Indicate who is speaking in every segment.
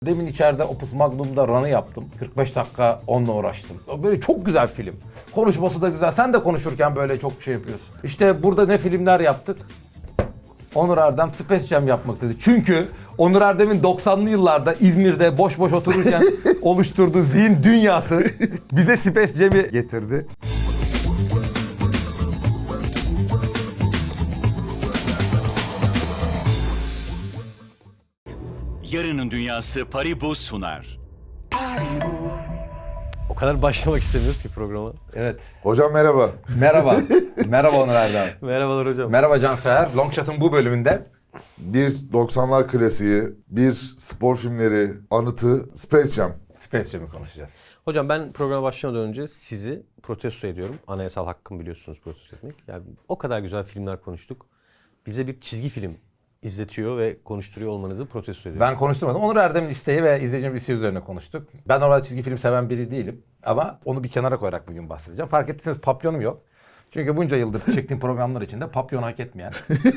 Speaker 1: Demin içeride Opus Magnum'da run'ı yaptım. 45 dakika onunla uğraştım. Böyle çok güzel film. Konuşması da güzel. Sen de konuşurken böyle çok şey yapıyorsun. İşte burada ne filmler yaptık? Onur Erdem Space Jam yapmak istedi. Çünkü Onur Erdem'in 90'lı yıllarda İzmir'de boş boş otururken oluşturduğu zihin dünyası bize Space Jam'i getirdi.
Speaker 2: Yarının Dünyası Paribu sunar.
Speaker 3: O kadar başlamak istemiyoruz ki programa.
Speaker 1: Evet.
Speaker 4: Hocam merhaba.
Speaker 1: Merhaba. Merhaba Onur Erdem.
Speaker 3: Merhabalar hocam.
Speaker 1: Merhaba Canseher. Long Shot'ın bu bölümünde
Speaker 4: Bir 90'lar klasiği, bir spor filmleri anıtı Space Jam.
Speaker 1: Space Jam'i konuşacağız.
Speaker 3: Hocam ben programa başlamadan önce sizi protesto ediyorum. Anayasal hakkım biliyorsunuz protesto etmek. Yani o kadar güzel filmler konuştuk. Bize bir çizgi film izletiyor ve konuşturuyor olmanızı protesto ediyorum.
Speaker 1: Ben konuşturmadım. Onur Erdem'in isteği ve izleyicinin isteği üzerine konuştuk. Ben orada çizgi film seven biri değilim. Ama onu bir kenara koyarak bugün bahsedeceğim. Fark ettiyseniz papyonum yok. Çünkü bunca yıldır çektiğim programlar içinde papyon hak etmeyen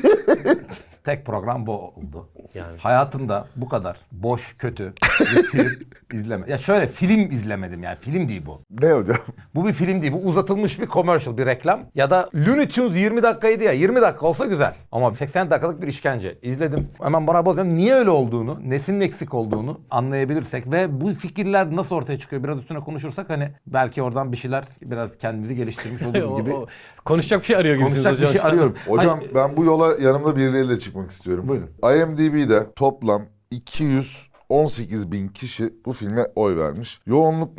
Speaker 1: tek program bu oldu.
Speaker 3: Yani.
Speaker 1: Hayatımda bu kadar boş, kötü bir film izleme. Ya şöyle film izlemedim yani. Film değil bu.
Speaker 4: Ne hocam?
Speaker 1: Bu bir film değil. Bu uzatılmış bir commercial, bir reklam. Ya da Looney Tunes 20 dakikaydı ya. 20 dakika olsa güzel. Ama 80 dakikalık bir işkence. İzledim. Hemen bana bakıyorum. Niye öyle olduğunu, nesinin eksik olduğunu anlayabilirsek ve bu fikirler nasıl ortaya çıkıyor biraz üstüne konuşursak hani belki oradan bir şeyler biraz kendimizi geliştirmiş oluruz gibi.
Speaker 3: Konuşacak bir şey arıyor gibisiniz
Speaker 1: Konuşacak bir
Speaker 3: hocam.
Speaker 1: şey arıyorum.
Speaker 4: Hocam
Speaker 1: Hayır,
Speaker 4: ben bu yola yanımda birileriyle çıkmak istiyorum.
Speaker 1: Buyurun.
Speaker 4: IMDb'de toplam 218 bin kişi bu filme oy vermiş. Yoğunluk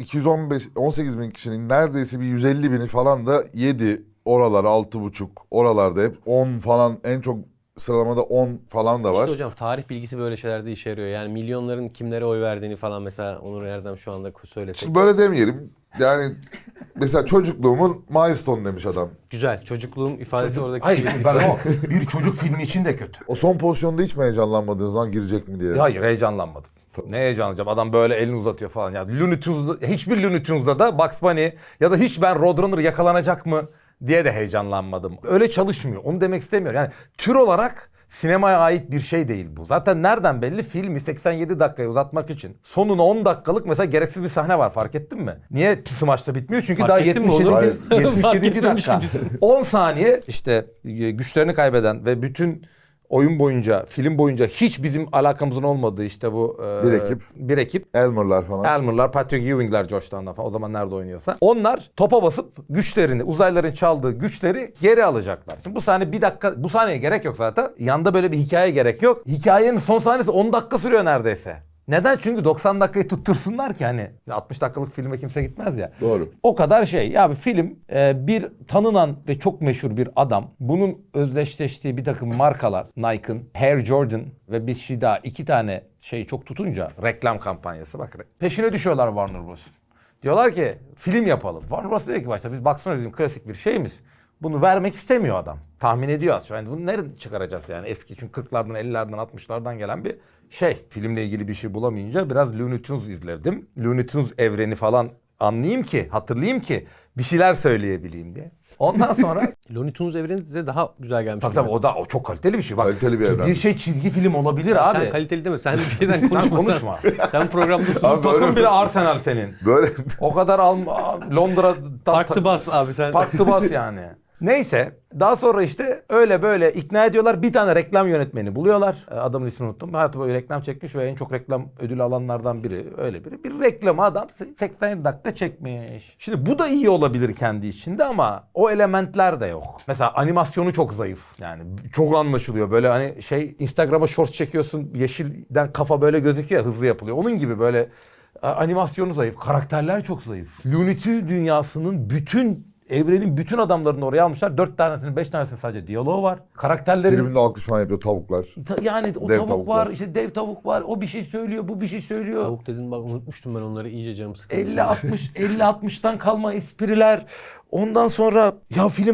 Speaker 4: 218 bin kişinin neredeyse bir 150 bini falan da 7 oralar 6,5 oralarda hep 10 falan en çok sıralamada 10 falan da var.
Speaker 3: İşte hocam tarih bilgisi böyle şeylerde işe yarıyor. Yani milyonların kimlere oy verdiğini falan mesela Onur Erdem şu anda söylesek.
Speaker 4: Şimdi böyle demeyelim. Yani mesela çocukluğumun milestone demiş adam.
Speaker 3: Güzel. Çocukluğum ifadesi oradaki.
Speaker 1: hayır ben o bir çocuk filmi için de kötü.
Speaker 4: O son pozisyonda hiç mi heyecanlanmadınız lan girecek mi diye?
Speaker 1: Hayır heyecanlanmadım. Ne heyecanlanacağım? Adam böyle elini uzatıyor falan. Ya Looney Tunes'da, hiçbir Looney Tunes'da da Bugs Bunny ya da hiç ben Roadrunner yakalanacak mı diye de heyecanlanmadım. Öyle çalışmıyor. Onu demek istemiyorum. Yani tür olarak sinemaya ait bir şey değil bu. Zaten nereden belli? Filmi 87 dakikaya uzatmak için sonuna 10 dakikalık mesela gereksiz bir sahne var. Fark ettin mi? Niye smaçta bitmiyor? Çünkü
Speaker 3: Fark
Speaker 1: daha
Speaker 3: ettin mi
Speaker 1: 77.
Speaker 3: onu?
Speaker 1: 77.
Speaker 3: Fark etmemiş
Speaker 1: dakika.
Speaker 3: gibisin.
Speaker 1: 10 saniye işte güçlerini kaybeden ve bütün oyun boyunca, film boyunca hiç bizim alakamızın olmadığı işte bu bir ekip.
Speaker 4: Elmer'lar falan.
Speaker 1: Elmer'lar, Patrick Ewing'ler Georgetown'dan falan o zaman nerede oynuyorsa. Onlar topa basıp güçlerini, uzaylıların çaldığı güçleri geri alacaklar. Şimdi bu sahne bir dakika, bu sahneye gerek yok zaten. Yanda böyle bir hikaye gerek yok. Hikayenin son sahnesi 10 dakika sürüyor neredeyse. Neden? Çünkü 90 dakikayı tuttursunlar ki hani 60 dakikalık filme kimse gitmez ya.
Speaker 4: Doğru.
Speaker 1: O kadar şey. Ya bir film bir tanınan ve çok meşhur bir adam. Bunun özdeşleştiği bir takım markalar Nike'ın, Air Jordan ve bir şey daha iki tane şey çok tutunca reklam kampanyası bak. Peşine düşüyorlar Warner Bros. Diyorlar ki film yapalım. Warner Bros diyor ki başta biz baksana bizim klasik bir şeyimiz. Bunu vermek istemiyor adam. Tahmin ediyor az. Yani bunu nereden çıkaracağız yani eski çünkü 40'lardan 50'lerden 60'lardan gelen bir şey. Filmle ilgili bir şey bulamayınca biraz Looney Tunes izledim. Looney Tunes evreni falan anlayayım ki, hatırlayayım ki bir şeyler söyleyebileyim diye. Ondan sonra
Speaker 3: Looney Tunes evreni size daha güzel gelmiş.
Speaker 1: tabii o çok kaliteli bir şey. Bak,
Speaker 4: Kaliteli bir evren.
Speaker 1: bir şey çizgi film olabilir abi.
Speaker 3: Sen kaliteli deme. Sen bir şeyden
Speaker 1: Sen
Speaker 3: konuşma.
Speaker 1: konuşma.
Speaker 3: Sen programda sus.
Speaker 4: Abi böyle-
Speaker 1: Takım bir Arsenal senin.
Speaker 4: Böyle
Speaker 1: O kadar Londra'dan
Speaker 3: Farklı bas abi sen.
Speaker 1: Farklı bas yani. Neyse daha sonra işte öyle böyle ikna ediyorlar. Bir tane reklam yönetmeni buluyorlar. Adamın ismini unuttum. Hayatı boyu reklam çekmiş ve en çok reklam ödülü alanlardan biri. Öyle biri. Bir reklamı adam 80 dakika çekmiş. Şimdi bu da iyi olabilir kendi içinde ama o elementler de yok. Mesela animasyonu çok zayıf. Yani çok anlaşılıyor. Böyle hani şey Instagram'a shorts çekiyorsun. Yeşilden kafa böyle gözüküyor ya, hızlı yapılıyor. Onun gibi böyle animasyonu zayıf. Karakterler çok zayıf. Looney Tunes dünyasının evrenin bütün adamlarını oraya almışlar. 4 tanesinin 5 tanesinin sadece diyaloğu var. Karakterlerin
Speaker 4: tribünde alkış falan yapıyor tavuklar.
Speaker 1: yani o
Speaker 4: Dev
Speaker 1: tavuk
Speaker 4: tavuklar.
Speaker 1: var, işte dev tavuk var. O bir şey söylüyor, bu bir şey söylüyor.
Speaker 3: Tavuk dedin bak unutmuştum ben onları iyice canım sıkıldı.
Speaker 1: 50-60'tan kalma espriler. Ondan sonra ya filme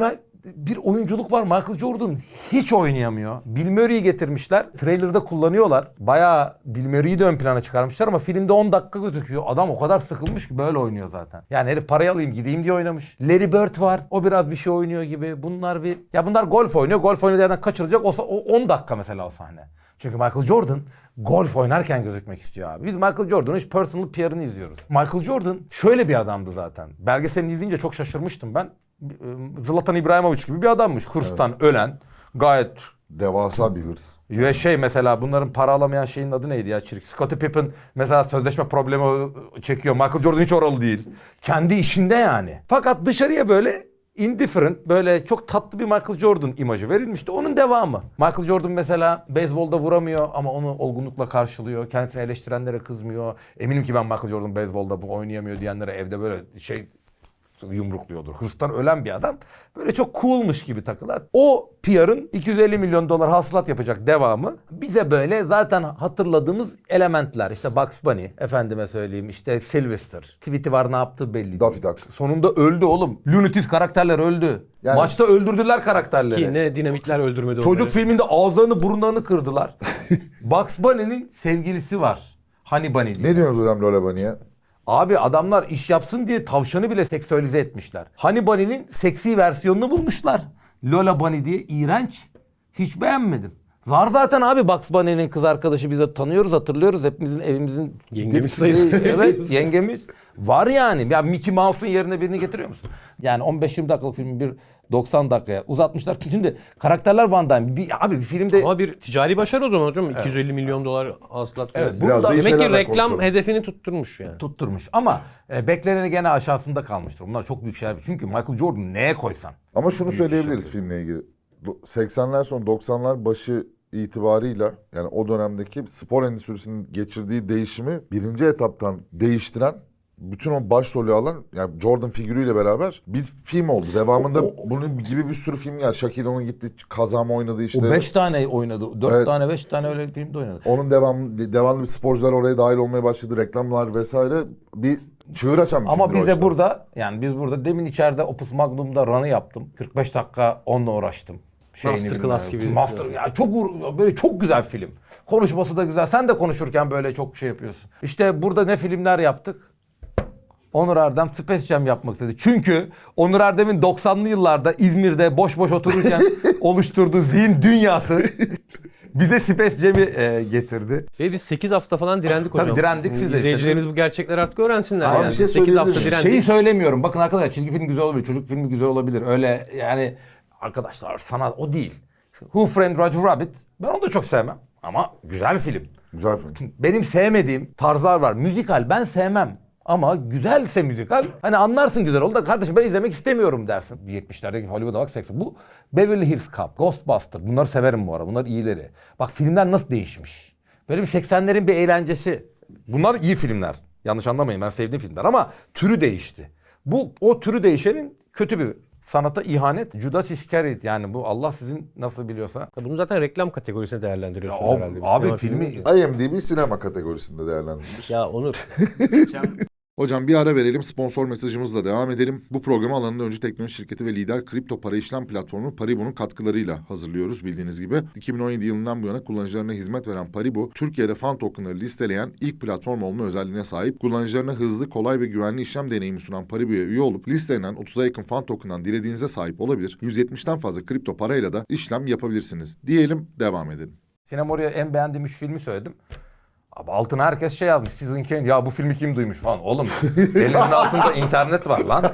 Speaker 1: bir oyunculuk var. Michael Jordan hiç oynayamıyor. Bill Murray'i getirmişler. Trailer'da kullanıyorlar. Bayağı Bill Murray'i de ön plana çıkarmışlar ama filmde 10 dakika gözüküyor. Adam o kadar sıkılmış ki böyle oynuyor zaten. Yani herif parayı alayım gideyim diye oynamış. Larry Bird var. O biraz bir şey oynuyor gibi. Bunlar golf oynuyor. Golf oynadığı yerden kaçırılacak. O 10 dakika mesela o sahne. Çünkü Michael Jordan golf oynarken gözükmek istiyor abi. Biz Michael Jordan'ın hiç personal PR'ını izliyoruz. Michael Jordan şöyle bir adamdı zaten. Belgeselini izleyince çok şaşırmıştım ben. Zlatan İbrahimovic gibi bir adammış. Hırstan ölen. Gayet
Speaker 4: Devasa bir hırs.
Speaker 1: ve mesela bunların para alamayan şeyin adı neydi ya çirik? Scottie Pippen mesela sözleşme problemi çekiyor. Michael Jordan hiç oralı değil. Kendi işinde yani. Fakat dışarıya böyle indifferent, böyle çok tatlı bir Michael Jordan imajı verilmişti. Onun devamı. Michael Jordan mesela beyzbolda vuramıyor ama onu olgunlukla karşılıyor. Kendisini eleştirenlere kızmıyor. Eminim ki ben Michael Jordan beyzbolda bu oynayamıyor diyenlere evde böyle yumrukluyordur. Hırstan ölen bir adam. Böyle çok coolmuş gibi takılar. O PR'ın 250 milyon dolar hasılat yapacak devamı bize böyle zaten hatırladığımız elementler. İşte Bugs Bunny, efendime söyleyeyim işte Sylvester. Tweet'i var ne yaptığı belli
Speaker 4: Daffy
Speaker 1: değil.
Speaker 4: Duck.
Speaker 1: Sonunda öldü oğlum. Looney Tunes karakterler öldü.
Speaker 4: Yani-
Speaker 1: Maçta öldürdüler karakterleri.
Speaker 3: Ki ne dinamitler öldürmedi
Speaker 1: Çocuk
Speaker 3: onları.
Speaker 1: filminde ağızlarını burunlarını kırdılar. Bugs Bunny'nin sevgilisi var. Honey Bunny diye.
Speaker 4: Ne diyorsunuz hocam Lola Bunny'e?
Speaker 1: Abi adamlar iş yapsın diye tavşanı bile seksüelize etmişler. Honey Bunny'nin seksi versiyonunu bulmuşlar. Lola Bunny diye iğrenç. Hiç beğenmedim. Var zaten abi Bugs Bunny'nin kız arkadaşı biz de tanıyoruz hatırlıyoruz. Hepimizin evimizin...
Speaker 3: Yengemiz sayılır.
Speaker 1: Evet yengemiz. Var yani. Ya Mickey Mouse'un yerine birini getiriyor musun? Yani 15-20 dakikalık filmi bir 90 dakikaya uzatmışlar. Şimdi karakterler Van Damme. Abi bir filmde...
Speaker 3: Ama bir ticari başarı o zaman hocam. 250 milyon dolar hasılat.
Speaker 1: Evet,
Speaker 3: Bu
Speaker 4: biraz
Speaker 3: da
Speaker 4: da
Speaker 3: demek ki
Speaker 4: işlerden
Speaker 3: reklam
Speaker 4: konuşalım.
Speaker 3: hedefini tutturmuş yani.
Speaker 1: tutturmuş. Ama bekleneni gene aşağısında kalmıştır. Bunlar çok büyük şeyler. Çünkü Michael Jordan neye koysan.
Speaker 4: Ama şunu söyleyebiliriz filmle ilgili. 80'ler sonu 90'lar başı itibarıyla yani o dönemdeki spor endüstrisinin geçirdiği değişimi birinci etaptan değiştiren bütün o başrolü alan yani Jordan figürüyle beraber bir film oldu. Devamında bunun gibi bir sürü film geldi. Shaquille O'Neal gitti kazama oynadı işte.
Speaker 1: O 5 tane oynadı. 4
Speaker 4: Evet.
Speaker 1: tane 5 tane öyle bir filmde oynadı.
Speaker 4: Onun devamlı bir sporcular oraya dahil olmaya başladı. Reklamlar vesaire bir çığır açan bir
Speaker 1: Ama
Speaker 4: filmdir o
Speaker 1: bize
Speaker 4: açıdan.
Speaker 1: burada yani biz burada demin içeride Opus Magnum'da run'ı yaptım. 45 dakika onunla uğraştım.
Speaker 3: Masterclass
Speaker 1: bilmem.
Speaker 3: gibi.
Speaker 1: Master ya böyle çok güzel film. Konuşması da güzel. Sen de konuşurken böyle çok şey yapıyorsun. İşte burada ne filmler yaptık? Onur Erdem Space Jam yapmak istedi. Çünkü Onur Erdem'in 90'lı yıllarda İzmir'de boş boş otururken oluşturduğu zihin dünyası bize Space Jam'i getirdi.
Speaker 3: Ve biz 8 hafta falan direndik hocam.
Speaker 1: Tabii direndik, siz de
Speaker 3: İzleyicilerimiz bu gerçekleri artık öğrensinler.
Speaker 1: Aynen.
Speaker 3: Yani.
Speaker 4: Bir şey
Speaker 3: 8 hafta
Speaker 4: söyleyebilir
Speaker 3: direndik.
Speaker 1: Şeyi söylemiyorum. Bakın arkadaşlar çizgi film güzel olabilir. Çocuk filmi güzel olabilir. Öyle yani arkadaşlar sanat o değil. Who Framed Roger Rabbit ben onu da çok sevmem. Ama güzel film.
Speaker 4: Güzel film.
Speaker 1: Benim sevmediğim tarzlar var. Müzikal ben sevmem. Ama güzelse müzikal hani anlarsın güzel oldu da kardeşim ben izlemek istemiyorum dersin. 70'lerdeki Hollywood'a bak 80. Bu Beverly Hills Cop, Ghostbusters bunları severim bu ara. Bunlar iyileri. Bak filmler nasıl değişmiş. Böyle bir 80'lerin bir eğlencesi. Bunlar iyi filmler. Yanlış anlamayın ben sevdiğim filmler ama türü değişti. O türü değişenin kötü bir sanata ihanet. Judas Iscariot yani bu Allah sizin nasıl biliyorsa.
Speaker 3: Bunu zaten reklam kategorisine değerlendiriyorsunuz herhalde. Bir
Speaker 1: Abi
Speaker 3: sinema
Speaker 1: filmi
Speaker 4: IMDb sinema kategorisinde değerlendirilmiş.
Speaker 3: Ya Onur.
Speaker 4: Hocam bir ara verelim, sponsor mesajımızla devam edelim. Bu programı alanında öncü teknoloji şirketi ve lider kripto para işlem platformu Paribu'nun katkılarıyla hazırlıyoruz bildiğiniz gibi. 2017 yılından bu yana kullanıcılarına hizmet veren Paribu, Türkiye'de fan tokenları listeleyen ilk platform olma özelliğine sahip. Kullanıcılarına hızlı, kolay ve güvenli işlem deneyimi sunan Paribu'ya üye olup listelenen 30'a yakın fan token'dan dilediğinize sahip olabilir. 170'ten fazla kripto parayla da işlem yapabilirsiniz. Diyelim, devam edelim.
Speaker 1: Sinem oraya en beğendiğim 3 filmi söyledim. Abi altına herkes şey yazmış. Citizen Kane ya bu filmi kim duymuş falan. Oğlum elinin altında internet var lan.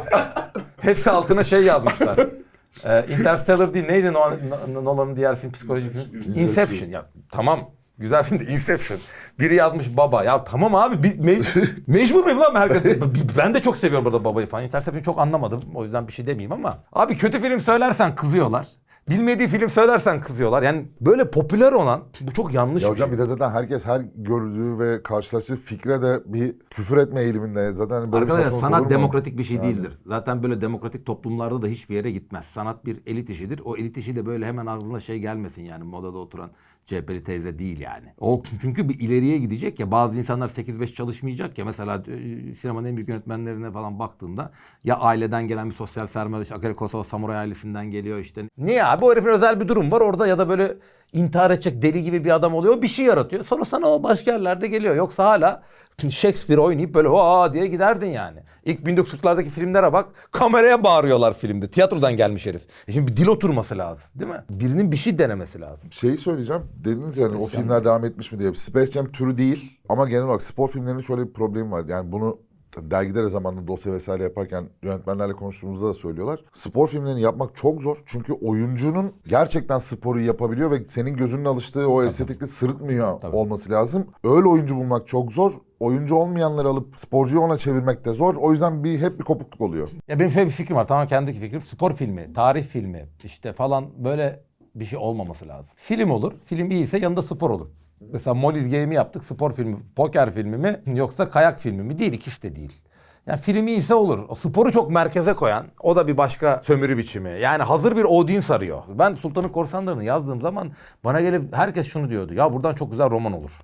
Speaker 1: Hepsi altına şey yazmışlar. Interstellar değil neydi Nolan'ın diğer film psikolojik film? Inception. Ya tamam güzel film de Inception. Biri yazmış baba. Ya tamam abi mecbur muyum lan herkes? Ben de çok seviyorum burada babayı falan. Interception'ı çok anlamadım. O yüzden bir şey demeyeyim ama. Abi kötü film söylersen kızıyorlar. Bilmediği film söylersen kızıyorlar. Yani böyle popüler olan bu çok yanlış
Speaker 4: Ya
Speaker 1: bir
Speaker 4: hocam
Speaker 1: şey.
Speaker 4: bir de zaten herkes her gördüğü ve karşılaştığı fikre de bir küfür etme eğiliminde. Zaten böyle
Speaker 1: Arkadaşlar
Speaker 4: bir saçmalık olur
Speaker 1: sanat
Speaker 4: mu?
Speaker 1: demokratik bir şey değildir. Zaten böyle demokratik toplumlarda da hiçbir yere gitmez. Sanat bir elit işidir. O elit işi de böyle hemen aklına şey gelmesin yani modada oturan CHP'li teyze değil yani. O çünkü bir ileriye gidecek ya, bazı insanlar 8-5 çalışmayacak ya, mesela sinemanın en büyük yönetmenlerine falan baktığında ya aileden gelen bir sosyal sermaye, işte Akira Kurosawa samuray ailesinden geliyor işte. Niye abi, o herifin özel bir durum var orada ya da böyle intihar edecek deli gibi bir adam oluyor, bir şey yaratıyor. Sonra sana o başka yerlerde geliyor. Yoksa hala Shakespeare oynayıp böyle aa diye giderdin yani. İlk 1940'lardaki filmlere bak, kameraya bağırıyorlar filmde. Tiyatrodan gelmiş herif. Şimdi bir dil oturması lazım değil mi? Birinin bir şey denemesi lazım.
Speaker 4: Şeyi söyleyeceğim. Dediniz yani o filmler devam etmiş mi diye. Space Jam türü değil ama genel olarak spor filmlerinin şöyle bir problemi var. Yani bunu dergilere zamanında dosya vesaire yaparken yönetmenlerle konuştuğumuzda da söylüyorlar. Spor filmlerini yapmak çok zor. Çünkü oyuncunun gerçekten sporu yapabiliyor ve senin gözünün alıştığı o estetikle sırıtmıyor olması lazım. Öyle oyuncu bulmak çok zor. Oyuncu olmayanları alıp sporcuyu ona çevirmek de zor. O yüzden hep bir kopukluk oluyor.
Speaker 1: Ya benim şöyle bir fikrim var. Tamamen kendi fikrim. Spor filmi, tarih filmi işte falan böyle bir şey olmaması lazım. Film olur. Film iyiyse yanında spor olur. Mesela Molly's Game'i yaptık. Spor filmi, poker filmi mi yoksa kayak filmi mi? Değil, ikisi de değil. Yani filmi iyiyse olur. O sporu çok merkeze koyan, o da bir başka sömürü biçimi. Yani hazır bir audience arıyor. Ben Sultan'ın Korsanları'nı yazdığım zaman bana gelip herkes şunu diyordu. Ya buradan çok güzel roman olur.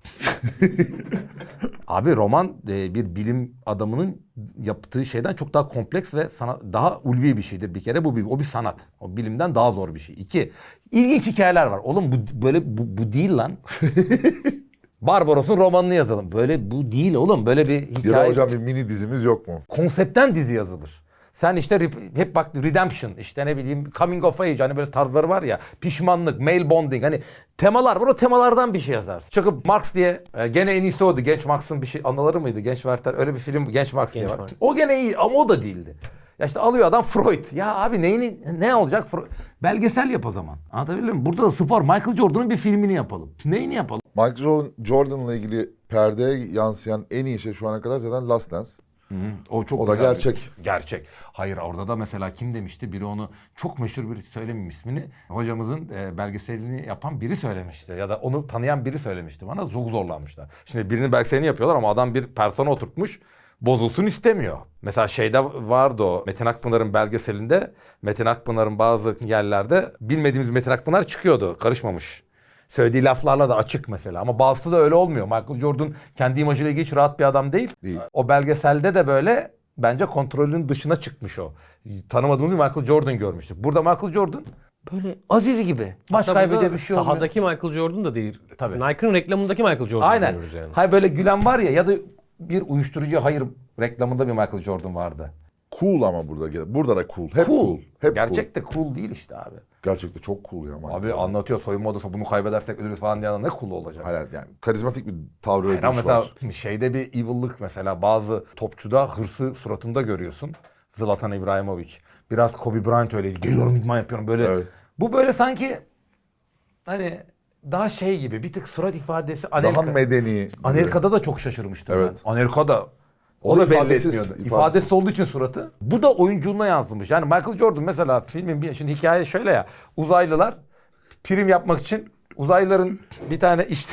Speaker 1: Abi roman bir bilim adamının yaptığı şeyden çok daha kompleks ve daha ulvi bir şeydir bir kere. O bir sanat. O bilimden daha zor bir şey. 2. İlginç hikayeler var. Oğlum bu değil lan. Barbaros'un romanını yazalım. Böyle bu değil oğlum. Böyle bir hikaye.
Speaker 4: Ya da hocam bir mini dizimiz yok mu?
Speaker 1: Konseptten dizi yazılır. Sen işte hep bak Redemption, işte ne bileyim Coming of Age, hani böyle tarzları var ya, pişmanlık, male bonding, hani temalar var, o temalardan bir şey yazarsın. Çıkıp Marx diye gene en iyisi oydu. Genç Marx'ın bir şey anıları mıydı? Genç Werther, öyle bir film Genç Marx diye var.
Speaker 3: Marx.
Speaker 1: O gene iyi ama o da değildi. Ya işte alıyor adam Freud. Ya abi ne olacak? Belgesel yap o zaman. Anlatabildim mi? Burada da spor. Michael Jordan'ın bir filmini yapalım. Neyini yapalım?
Speaker 4: Michael Jordan'la ilgili perdeye yansıyan en iyi şey şu ana kadar zaten Last Dance.
Speaker 1: O çok
Speaker 4: O da
Speaker 1: güzel.
Speaker 4: gerçek.
Speaker 1: Gerçek. Hayır, orada da mesela kim demişti? Biri onu, çok meşhur biri, söylemeyeyim ismini. Hocamızın belgeselini yapan biri söylemişti. Ya da onu tanıyan biri söylemişti bana. Çok zorlanmışlar. Şimdi birinin belgeselini yapıyorlar ama adam bir persona oturtmuş. Bozulsun istemiyor. Mesela şeyde vardı o Metin Akpınar'ın belgeselinde. Metin Akpınar'ın bazı yerlerde bilmediğimiz Metin Akpınar çıkıyordu. Karışmamış. Söylediği laflarla da açık mesela. Ama bazısı da öyle olmuyor. Michael Jordan kendi imajıyla ilgili hiç rahat bir adam değil. O belgeselde de böyle bence kontrolün dışına çıkmış o. Tanımadığımız bir Michael Jordan görmüştük. Burada Michael Jordan böyle Aziz gibi. Maç
Speaker 3: Hatta
Speaker 1: kaybediyor,
Speaker 3: burada
Speaker 1: bir şey olmuyor.
Speaker 3: sahadaki Michael Jordan da değil.
Speaker 1: Tabii.
Speaker 3: Nike'ın reklamındaki Michael Jordan'ı
Speaker 1: Aynen.
Speaker 3: görüyoruz yani.
Speaker 1: Hayır, böyle gülen var ya da bir uyuşturucu hayır reklamında bir Michael Jordan vardı.
Speaker 4: Cool ama burada da cool. Hep cool. Hep
Speaker 1: Gerçekte cool değil işte abi.
Speaker 4: Gerçekte çok cool ya.
Speaker 1: Abi anlatıyor, soyunma odası bunu kaybedersek ölürüz falan diye, ne cool olacak.
Speaker 4: Hayır yani karizmatik bir tavrı
Speaker 1: Hayır, ama
Speaker 4: ödülüş
Speaker 1: mesela
Speaker 4: var.
Speaker 1: şeyde bir evil'lık, mesela bazı topçuda hırsı suratında görüyorsun. Zlatan İbrahimovic. Biraz Kobe Bryant öyleydi. Geliyorum, idman yapıyorum böyle.
Speaker 4: Evet.
Speaker 1: Bu böyle sanki hani daha şey gibi, bir tık surat ifadesi.
Speaker 4: Daha medeni.
Speaker 1: Amerika'da da çok şaşırmıştım
Speaker 4: Evet.
Speaker 1: ben. Amerika'da o
Speaker 4: O da
Speaker 1: da belli
Speaker 4: ifadesiz,
Speaker 1: etmiyordu.
Speaker 4: ifadesiz.
Speaker 1: İfadesiz olduğu için suratı. Bu da oyunculuğuna yansımış. Yani Michael Jordan mesela filmin şimdi hikaye şöyle ya. Uzaylılar prim yapmak için uzaylıların bir tane işte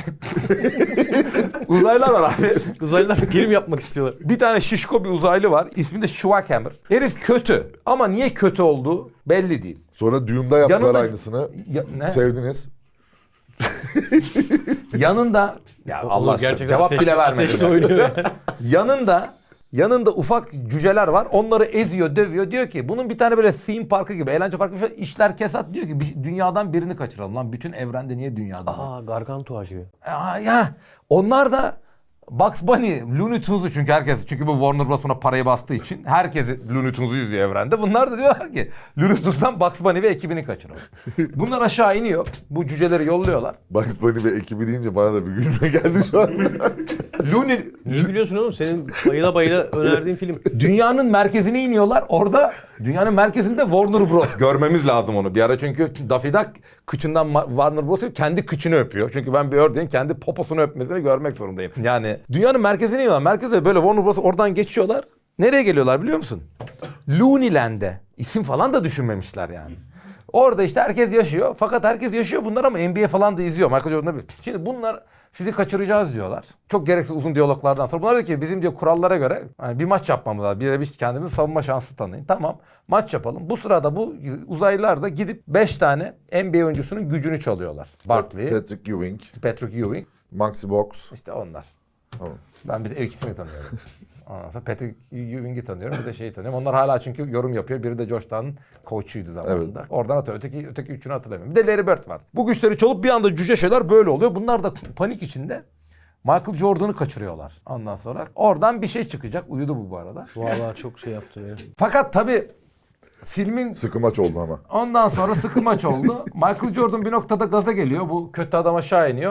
Speaker 1: uzaylılar var abi.
Speaker 3: Uzaylılar prim yapmak istiyorlar.
Speaker 1: Bir tane şişko bir uzaylı var. İsmi de Schwackhammer. Herif kötü. Ama niye kötü olduğu belli değil.
Speaker 4: Sonra Dune'da yaptılar
Speaker 1: Yanında-
Speaker 4: aynısını.
Speaker 1: Ne?
Speaker 4: Sevdiniz.
Speaker 1: Yanında ya Allah aşkına
Speaker 3: gerçekten
Speaker 1: cevap bile vermedi.
Speaker 3: ateşle oynuyor ya.
Speaker 1: Yanında ufak cüceler var. Onları eziyor, dövüyor. Diyor ki bunun bir tane böyle theme parkı gibi, eğlence parkı gibi işler kesat, diyor ki dünyadan birini kaçıralım. Lan bütün evrende niye dünyadan?
Speaker 3: Aa, Gargantua gibi.
Speaker 1: Ya onlar da Bugs Bunny, Looney Tunes'u, çünkü bu Warner Bros. Buna parayı bastığı için herkes Looney Tunes'u izliyor evrende. Bunlar da diyorlar ki Looney Tunes'tan Bugs Bunny ve ekibini kaçıralım. Bunlar aşağı iniyor. Bu cüceleri yolluyorlar.
Speaker 4: Bugs Bunny ve ekibi deyince bana da bir gülme geldi şu an.
Speaker 1: Looney
Speaker 3: Niye gülüyorsun oğlum? Senin bayıla bayıla önerdiğin film.
Speaker 1: dünyanın merkezine iniyorlar. Orada dünyanın merkezinde Warner Bros. Görmemiz lazım onu bir ara. Çünkü Daffy Duck kıçından Warner Bros. Kendi kıçını öpüyor. Çünkü ben bir ördeğin kendi poposunu öpmesini görmek zorundayım. Yani dünyanın merkezine iniyorlar. Merkezde böyle Warner Bros. Oradan geçiyorlar. Nereye geliyorlar biliyor musun? Looneyland'e. İsim falan da düşünmemişler yani. Orada işte herkes yaşıyor. Fakat herkes yaşıyor bunlar ama NBA falan da izliyor. Michael Jordan'da bir. Şimdi bunlar Sizi kaçıracağız diyorlar. Çok gereksiz uzun diyaloglardan sonra. Bunlar diyor ki bizim diyor kurallara göre hani bir maç yapmamız lazım. Bir de biz kendimizi savunma şansı tanıyın. Tamam maç yapalım. Bu sırada bu uzaylılar da gidip 5 tane NBA oyuncusunun gücünü çalıyorlar. Barkley,
Speaker 4: Patrick Ewing,
Speaker 1: Patrick Ewing,
Speaker 4: Maxi Box.
Speaker 1: işte onlar.
Speaker 4: Tamam.
Speaker 1: Ben bir de ikisini tanıyorum. Ondan sonra Patrick Ewing'i tanıyorum. Bir de şeyi tanıyorum. Onlar hala çünkü yorum yapıyor. Biri de Georgetown'un koçuydu zamanında. Evet. Oradan atıyor. Öteki üçünü hatırlamıyorum. Bir de Larry Bird var. Bu güçleri çalıp bir anda cüce şeyler böyle oluyor. Bunlar da panik içinde Michael Jordan'ı kaçırıyorlar. Ondan sonra oradan bir şey çıkacak. Uyudu bu arada.
Speaker 3: Vallahi çok şey yaptı beni.
Speaker 1: Fakat tabii filmin
Speaker 4: Sıkı maç oldu ama.
Speaker 1: ondan sonra sıkı maç oldu. Michael Jordan bir noktada gaza geliyor. Bu kötü adam aşağı iniyor.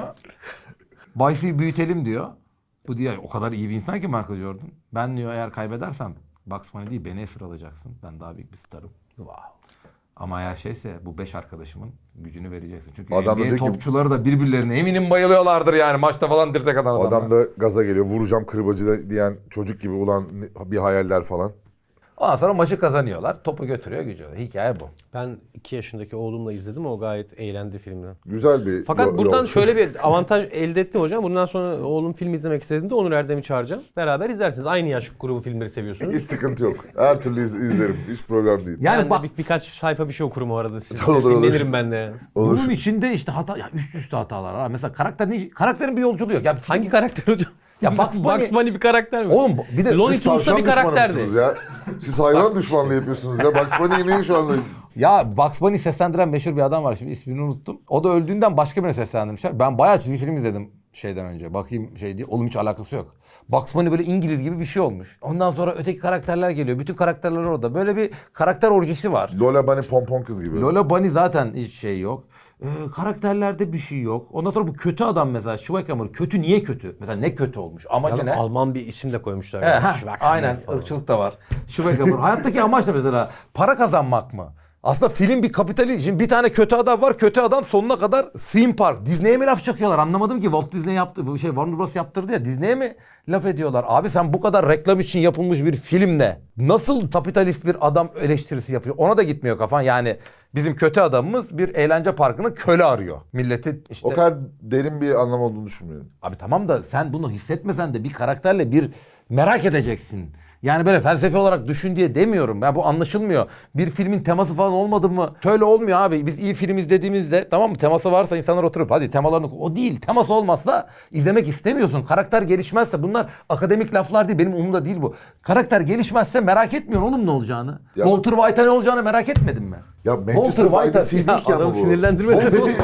Speaker 1: Bayfi'yi büyütelim diyor. Bu diyor o kadar iyi bir insan ki Michael Jordan. Ben diyor eğer kaybedersem Bugs Bunny değil beni esir alacaksın. Ben daha büyük bir starım. Wow. Ama eğer şeyse bu 5 arkadaşımın gücünü vereceksin. Çünkü
Speaker 4: Adam da
Speaker 1: NBA
Speaker 4: diyor ki-
Speaker 1: topçuları da birbirlerine eminim bayılıyorlardır yani maçta falan dirsek atan adamlar.
Speaker 4: Adam da gaza geliyor. Vuracağım kırbacı diyen çocuk gibi ulan bir hayaller falan.
Speaker 1: Ondan sonra maçı kazanıyorlar. Topu götürüyor gücüyor. Hikaye bu.
Speaker 3: Ben 2 yaşındaki oğlumla izledim. O gayet eğlendi filmden.
Speaker 4: Güzel bir
Speaker 3: Fakat buradan
Speaker 4: yol.
Speaker 3: şöyle bir avantaj elde ettim hocam. Bundan sonra oğlum film izlemek istediğinde Onur Erdem'i çağıracağım. Beraber izlersiniz. Aynı yaş grubu filmleri seviyorsunuz.
Speaker 4: Hiç sıkıntı yok. Her türlü izlerim. Hiç problem değil.
Speaker 1: Yani
Speaker 3: Ben
Speaker 1: bak
Speaker 3: de birkaç sayfa bir şey okurum o arada. Siz
Speaker 4: Olur, olur.
Speaker 3: dinlenirim ben de.
Speaker 4: Olur.
Speaker 1: bunun içinde işte hata ya üst üste hatalar var. Mesela karakterin bir yolculuğu yok. Ya
Speaker 3: Hangi karakter hocam?
Speaker 1: Ya Bugs Bunny-
Speaker 3: bir karakter mi?
Speaker 1: Oğlum bir de
Speaker 3: Looney
Speaker 4: Siz
Speaker 3: Tunes'ta
Speaker 4: tavşan
Speaker 3: bir
Speaker 4: düşmanı
Speaker 3: karakterdi.
Speaker 4: mısınız ya? Siz hayvan düşmanlığı yapıyorsunuz ya. Bugs Bunny'yi neyin şu anda?
Speaker 1: ya Bugs Bunny'yi seslendiren meşhur bir adam var şimdi ismini unuttum. O da öldüğünden başka birine seslendirmişler. Ben bayağı çizgi film izledim şeyden önce. Bakayım şey diye. Oğlum hiç alakası yok. Bugs Bunny böyle İngiliz gibi bir şey olmuş. Ondan sonra öteki karakterler geliyor. Bütün karakterler orada. Böyle bir karakter orjisi var.
Speaker 4: Lola Bunny pompon kız gibi.
Speaker 1: Lola Bunny zaten hiç şey yok. Karakterlerde bir şey yok. Ondan sonra bu kötü adam mesela Schweighömer kötü niye kötü? Mesela ne kötü olmuş? Amacı ne?
Speaker 3: Alman bir isim de koymuşlar.
Speaker 1: He,
Speaker 3: yani.
Speaker 1: heh,
Speaker 3: Schweighömer
Speaker 1: aynen
Speaker 3: falan.
Speaker 1: ırkçılık da var. Schweighömer. Hayattaki amaç ne mesela? Para kazanmak mı? Aslında film bir kapitalist. Şimdi bir tane kötü adam var. Kötü adam sonuna kadar theme park. Disney'e mi laf çakıyorlar? Anlamadım ki. Walt Disney yaptı. Bu şey Warner Bros yaptırdı ya. Disney'e mi laf ediyorlar? Abi sen bu kadar reklam için yapılmış bir filmle nasıl kapitalist bir adam eleştirisi yapıyor? Ona da gitmiyor kafan. Yani bizim kötü adamımız bir eğlence parkının köle arıyor. Milleti işte...
Speaker 4: O kadar derin bir anlam olduğunu düşünmüyorum.
Speaker 1: Abi tamam da sen bunu hissetmesen de bir karakterle bir merak edeceksin. Yani böyle felsefi olarak düşün diye demiyorum. Ya bu anlaşılmıyor. Bir filmin teması falan olmadı mı? Şöyle olmuyor abi. Biz iyi film izlediğimizde tamam mı? Teması varsa insanlar oturup hadi temalarını... O değil. Teması olmazsa izlemek istemiyorsun. Karakter gelişmezse bunlar akademik laflar değil. Benim umurumda değil bu. Karakter gelişmezse merak etmiyorsun oğlum ne olacağını.
Speaker 4: Ya-
Speaker 1: Walter White'a ne olacağını merak etmedin mi?
Speaker 4: Ya Manchester by the Sea değil ki ama
Speaker 3: Adamı
Speaker 4: bu.
Speaker 3: sinirlendirmesin oğlum.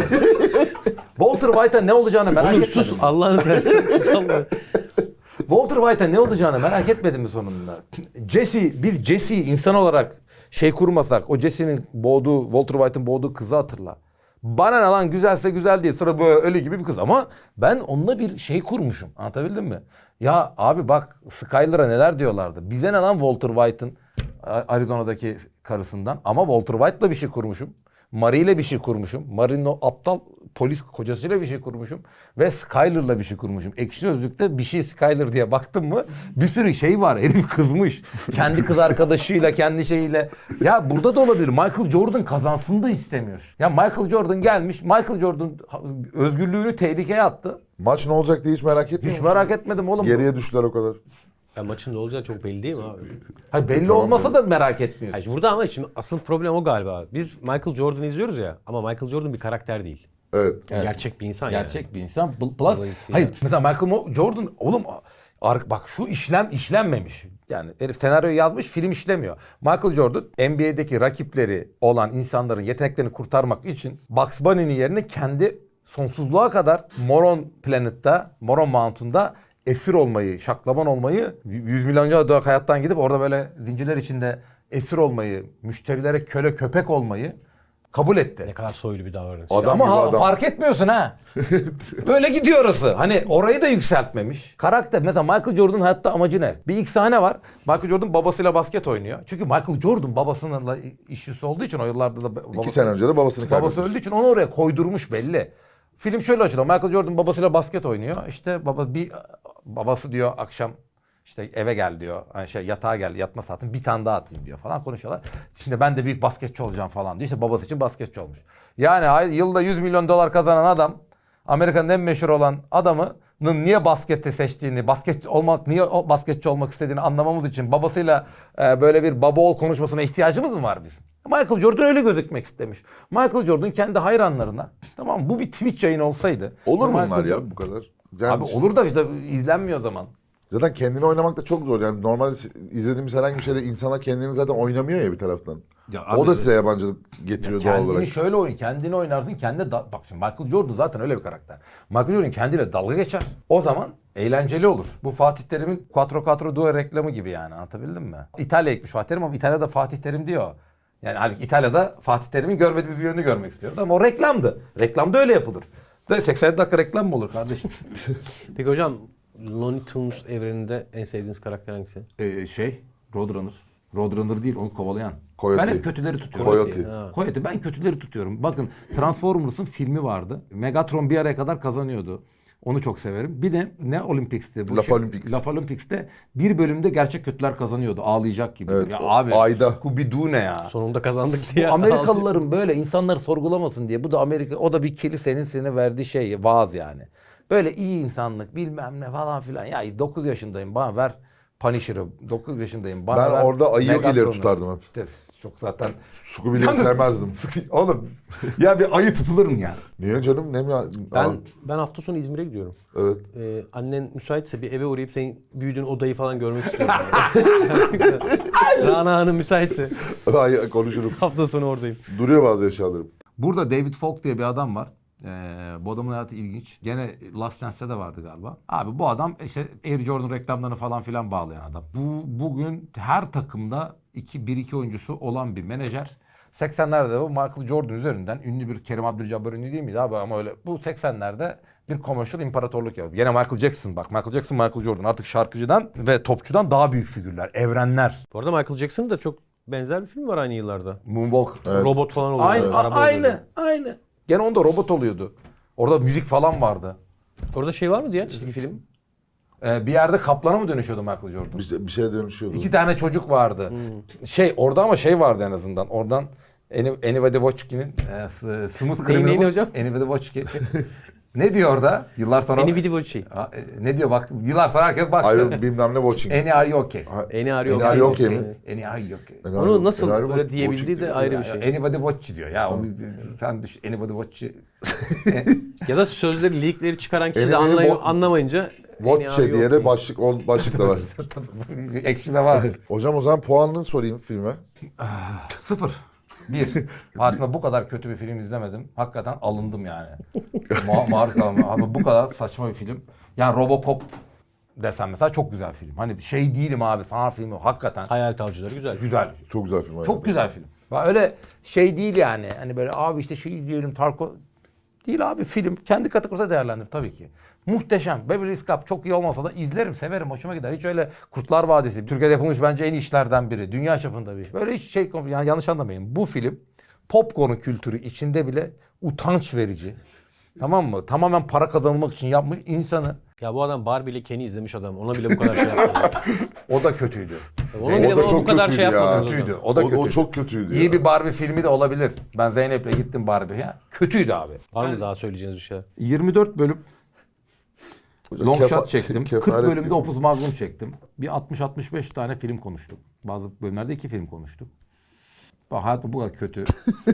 Speaker 1: Walter White'a ne olacağını merak
Speaker 3: Oğlum
Speaker 1: etmedin
Speaker 3: sus
Speaker 1: mi?
Speaker 3: Allah'ını seversen sus Allah'ını.
Speaker 1: Walter White'a ne olacağını merak etmedin mi sonunda? Biz Jesse'yi insan olarak şey kurmasak, o Jesse'nin boğduğu, Walter White'ın boğduğu kızı hatırla. Bana ne lan güzelse güzel değil. Sonra böyle ölü gibi bir kız ama ben onunla bir şey kurmuşum. Anlatabildim mi? Ya abi bak Skyler'a neler diyorlardı. Bize ne lan Walter White'ın Arizona'daki karısından. Ama Walter White'la bir şey kurmuşum. Marie'yle bir şey kurmuşum. Marie'nin o aptal polis kocasıyla bir şey kurmuşum. Ve Skyler'la bir şey kurmuşum. Ekşi Sözlük'te bir şey Skyler diye baktım mı bir sürü şey var. Herif kızmış. Kendi kız arkadaşıyla, kendi şeyiyle. Ya burada da olabilir. Michael Jordan kazansın da istemiyorsun. Ya Michael Jordan gelmiş. Michael Jordan özgürlüğünü tehlikeye attı.
Speaker 4: Maç ne olacak diye hiç merak etmiyor
Speaker 1: Hiç
Speaker 4: musun?
Speaker 1: merak etmedim oğlum.
Speaker 4: Geriye düştüler o kadar.
Speaker 3: Ya maçın ne olacağı çok belli değil mi abi?
Speaker 1: Hayır, belli
Speaker 4: Tamam,
Speaker 1: olmasa da merak etmiyorsun.
Speaker 3: Hayır, burada ama şimdi asıl problem o galiba. Biz Michael Jordan'ı izliyoruz ya ama Michael Jordan bir karakter değil.
Speaker 4: Evet.
Speaker 1: Evet.
Speaker 3: Gerçek bir insan yani.
Speaker 1: Gerçek bir insan. Plus,
Speaker 3: Dolayısıyla-
Speaker 1: hayır mesela Michael Jordan oğlum bak şu işlenmemiş. Yani herif senaryoyu yazmış film işlemiyor. Michael Jordan NBA'deki rakipleri olan insanların yeteneklerini kurtarmak için Bugs Bunny'nin yerine kendi sonsuzluğa kadar Moron Mountain'da esir olmayı, şaklaban olmayı, 100 milyon dolar hayattan gidip orada böyle zincirler içinde esir olmayı, müşterilere köle köpek olmayı kabul etti.
Speaker 3: Ne kadar soylu bir davranış.
Speaker 4: Adam
Speaker 1: Ama
Speaker 4: gibi adam.
Speaker 1: fark etmiyorsun ha. Böyle gidiyor orası. Hani orayı da yükseltmemiş. Karakter mesela Michael Jordan'ın hayatta amacı ne? Bir ilk sahne var. Michael Jordan babasıyla basket oynuyor. Çünkü Michael Jordan babasıyla işçisi olduğu için o yıllarda da
Speaker 4: 2 sene önce de babasını kaybetmiş.
Speaker 1: babası öldüğü için onu oraya koydurmuş belli. Film şöyle açılıyor. Michael Jordan babasıyla basket oynuyor. İşte babası diyor akşam işte eve gel diyor. Hani yatağa gel yatma saatin bir tane daha atayım diyor falan konuşuyorlar. Şimdi ben de büyük basketçi olacağım falan diyor. İşte babası için basketçi olmuş. Yani yılda 100 milyon dolar kazanan adam Amerika'nın en meşhur olan adamının niye baskette seçtiğini, niye basketçi olmak istediğini anlamamız için babasıyla böyle bir baba oğul konuşmasına ihtiyacımız mı var bizim? Michael Jordan öyle gözükmek istemiş. Michael Jordan kendi hayranlarına, tamam mı? Bu bir Twitch yayın olsaydı.
Speaker 4: Olur mu
Speaker 1: Michael
Speaker 4: bunlar ya
Speaker 1: Jordan-
Speaker 4: bu kadar? Yani
Speaker 1: Abi olur da işte izlenmiyor o zaman.
Speaker 4: zaten kendini oynamak da çok zor. Yani normal izlediğimiz herhangi bir şeyde insana kendini zaten oynamıyor ya bir taraftan.
Speaker 1: Ya abi-
Speaker 4: o da size yabancılık getiriyor doğal olarak.
Speaker 1: Kendini oynarsın, bak şimdi Michael Jordan zaten öyle bir karakter. Michael Jordan kendiyle dalga geçer. O zaman eğlenceli olur. Bu Fatih Terim'in Quattro Quattro Due reklamı gibi yani, anlatabildim mi? İtalya'ya gitmiş Fatih Terim ama İtalya'da Fatih Terim diyor. Yani halbuki İtalya'da Fatih Terim'in görmediğimiz bir yönünü görmek istiyoruz ama o reklamdı. Reklamda öyle yapılır. Ve 80 dakika reklam mı olur kardeşim?
Speaker 3: Peki hocam, Looney Tunes evreninde en sevdiğiniz karakter hangisi?
Speaker 1: Roadrunner. Roadrunner değil, onu kovalayan.
Speaker 4: Coyote.
Speaker 1: Ben hep kötüleri tutuyorum.
Speaker 4: Coyote.
Speaker 1: Coyote, ben kötüleri tutuyorum. Bakın Transformers'ın filmi vardı. Megatron bir araya kadar kazanıyordu. Onu çok severim. Bir de ne Olympics'ti?
Speaker 4: Laf Olympics.
Speaker 1: Laf Olympics'te bir bölümde gerçek kötüler kazanıyordu. Ağlayacak gibi.
Speaker 4: Evet,
Speaker 1: Ya
Speaker 4: o
Speaker 1: abi.
Speaker 4: ayda.
Speaker 1: Scooby-Doo ne ya?
Speaker 3: Sonunda kazandık diye.
Speaker 1: Amerikalıların böyle insanları sorgulamasın diye. Bu da Amerika, o da bir kilisenin sana verdiği şey, vaaz yani. Böyle iyi insanlık bilmem ne falan filan. Ya 9 yaşındayım, bana ver Punisher'ı. 9 yaşındayım, bana
Speaker 4: Ben
Speaker 1: ver
Speaker 4: orada ayı
Speaker 1: Megatron'u.
Speaker 4: ileri tutardım hep.
Speaker 1: İşte çok zaten.
Speaker 4: Scooby'leri sevmezdim.
Speaker 1: Oğlum ya bir ayı tutulur mu ya?
Speaker 4: Niye canım? Ne mi?
Speaker 3: Ben hafta sonu İzmir'e gidiyorum.
Speaker 4: Evet.
Speaker 3: Annen müsaitse bir eve uğrayıp senin büyüdüğün odayı falan görmek istiyorum. Rana Hanım müsaitse
Speaker 4: Ay, konuşurum.
Speaker 3: hafta sonu oradayım.
Speaker 4: Duruyor bazı eşyalarım.
Speaker 1: Burada David Falk diye bir adam var. Bu adamın hayatı ilginç. Gene Last Dance'te de vardı galiba. Abi bu adam işte Air Jordan reklamlarını falan filan bağlayan adam. Bugün her takımda 1-2 oyuncusu olan bir menajer. 80'lerde bu Michael Jordan üzerinden ünlü bir Kerim Abdul-Jabbar ünlü değil miydi abi, ama öyle. Bu 80'lerde bir commercial imparatorluk yapıyor. Yine Michael Jackson, bak Michael Jackson, Michael Jordan artık şarkıcıdan ve topçudan daha büyük figürler, evrenler.
Speaker 3: Bu arada Michael Jackson'ın da çok benzer bir film var aynı yıllarda.
Speaker 1: Moonwalk.
Speaker 4: Evet.
Speaker 3: Robot falan oluyor.
Speaker 1: Aynı. Gene onda robot oluyordu. Orada müzik falan vardı.
Speaker 3: Orada şey var mı diye çizgi film?
Speaker 1: Bir yerde kaplana mı dönüşüyordu Michael Jordan?
Speaker 4: Bir şeye dönüşüyordu.
Speaker 1: 2 tane çocuk vardı. Orada ama vardı en azından. Oradan Anybody Watchki'nin Smooth
Speaker 3: Neyini
Speaker 1: Criminal.
Speaker 3: hocam?
Speaker 1: Anybody Watchki. Ne diyor orada? Yıllar sonra.
Speaker 3: Any Video Watch.
Speaker 1: Ne diyor bak? Yıllar sonra herkes baktı.
Speaker 4: Hayır bilmem ne watching.
Speaker 1: Any are you okay?
Speaker 3: Any Are You
Speaker 4: Any Are You
Speaker 3: Okay?
Speaker 4: Okay mi?
Speaker 1: Any are you okay?
Speaker 3: Onu nasıl
Speaker 4: Any Are You
Speaker 3: böyle
Speaker 4: Watching
Speaker 3: diyebildiği de
Speaker 4: diyor.
Speaker 3: ayrı bir şey.
Speaker 1: Anybody Watch diyor. Ya sen düşün. Anybody Watch'i.
Speaker 3: Ya da sözleri, lirikleri çıkaran kişi de
Speaker 4: Any
Speaker 3: anlamayınca Any Are
Speaker 4: Watch
Speaker 3: You
Speaker 4: diye de
Speaker 3: Okay?
Speaker 4: başlık da var.
Speaker 1: Ekşi de var.
Speaker 4: Hocam o zaman puanını sorayım filme.
Speaker 1: 0. 1. Hayatımda bu kadar kötü bir film izlemedim. Hakikaten alındım yani. Maruz kaldım. Abi bu kadar saçma bir film. Yani Robocop desem mesela çok güzel film. Hani şey değilim abi, sanat filmi hakikaten
Speaker 3: Hayalet Avcıları güzel.
Speaker 1: güzel.
Speaker 4: Çok güzel film.
Speaker 1: Çok güzel film. Öyle şey değil yani. Hani böyle abi işte şey izleyelim Tarko. Değil abi, film. Kendi kategorisinde değerlendir tabii ki. Muhteşem. Beverly Hills Cop çok iyi olmasa da izlerim, severim, hoşuma gider. Hiç öyle Kurtlar Vadisi, Türkiye'de yapılmış bence en iyi işlerden biri. Dünya çapında bir iş. Böyle hiç yani yanlış anlamayın. Bu film popcorn kültürü içinde bile utanç verici. Tamam mı? Tamamen para kazanmak için yapmış insanı.
Speaker 3: Ya bu adam Barbie ile Ken'i izlemiş adam. Ona bile bu kadar şey yapmadı.
Speaker 1: O da kötüydü.
Speaker 3: Ona bile
Speaker 4: O da
Speaker 3: bu
Speaker 4: çok
Speaker 3: kadar şey
Speaker 4: kötüydü ya.
Speaker 3: yapmadınız
Speaker 1: Kötüydü.
Speaker 3: hocam.
Speaker 1: O da kötüydü.
Speaker 4: O çok kötüydü
Speaker 1: İyi
Speaker 4: ya.
Speaker 1: bir Barbie filmi de olabilir. Ben Zeynep'le gittim Barbie'ye. Kötüydü abi.
Speaker 3: Var mı daha söyleyeceğiniz bir şey?
Speaker 1: 24 bölüm
Speaker 4: Hocam
Speaker 1: long
Speaker 4: kefa-
Speaker 1: shot çektim. 40
Speaker 4: kefaret
Speaker 1: bölümde
Speaker 4: gibi.
Speaker 1: Opus Magnum çektim. Bir 60-65 tane film konuştuk. Bazı bölümlerde 2 film konuştuk. Bak hayatım bu kadar kötü.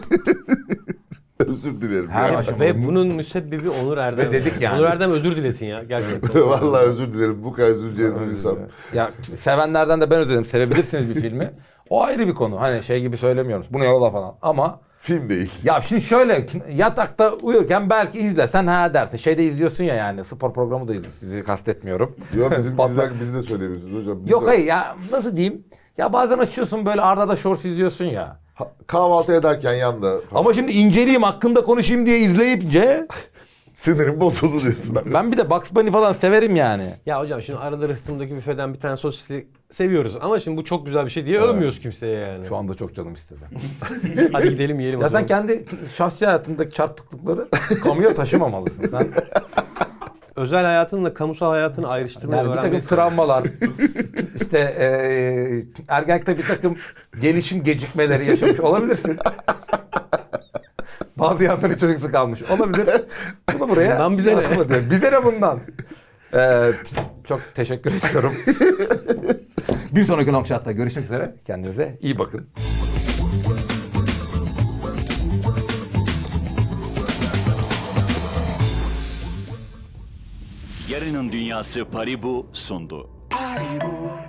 Speaker 4: Özür dilerim.
Speaker 1: Her
Speaker 4: ya.
Speaker 1: aşamada.
Speaker 3: Ve bunun müsebbibi Onur Erdem.
Speaker 1: Ve dedik yani.
Speaker 3: Onur Erdem özür dilesin ya gerçekten.
Speaker 4: Vallahi özür dilerim. Bu kadar özür dileyeceğiz bir insan.
Speaker 1: Ya sevenlerden de ben özür dilerim. Sevebilirsiniz bir filmi. O ayrı bir konu. Hani şey gibi söylemiyoruz. Bu ne yola falan. Ama
Speaker 4: Film değil.
Speaker 1: ya şimdi şöyle yatakta uyurken belki izlesen ha dersin. Şeyde izliyorsun ya, yani spor programı da izliyorsun. Sizi kastetmiyorum.
Speaker 4: Yok bizim
Speaker 1: Patlak-
Speaker 4: biz de söyleyebilirsiniz hocam. Biz
Speaker 1: Yok
Speaker 4: de-
Speaker 1: hayır ya, nasıl diyeyim? Ya bazen açıyorsun böyle Arda da Shorts izliyorsun ya.
Speaker 4: Kahvaltı ederken yanda
Speaker 1: Ama şimdi inceleyeyim, hakkında konuşayım diye izleyince
Speaker 4: sinirim bozuldu diyorsun.
Speaker 1: ben bir de Bugs Bunny falan severim yani.
Speaker 3: Ya hocam şimdi arada rıhtımdaki büfeden bir tane sosisli seviyoruz. Ama şimdi bu çok güzel bir şey diye övmüyoruz kimseye yani.
Speaker 1: Şu anda çok canım istedi.
Speaker 3: Hadi gidelim yiyelim. o
Speaker 1: Ya
Speaker 3: zaman.
Speaker 1: sen kendi şahsi hayatındaki çarpıklıkları kamuya taşımamalısın. Sen
Speaker 3: Özel hayatınla kamusal hayatını ayrıştırmayı
Speaker 1: yani bir takım
Speaker 3: öğrenmelisin.
Speaker 1: travmalar, işte ergenlikte bir takım gelişim gecikmeleri yaşamış olabilirsin. Bazı yanları çocuksu kalmış. Olabilir. Bunu buraya
Speaker 3: Bundan bize ne?
Speaker 1: yansıma diyor. Bize ne bundan? Çok teşekkür ediyorum. Bir sonraki Long Shot'ta görüşmek üzere. Kendinize iyi bakın.
Speaker 2: Yarının Dünyası Paribu sundu.
Speaker 5: Paribu.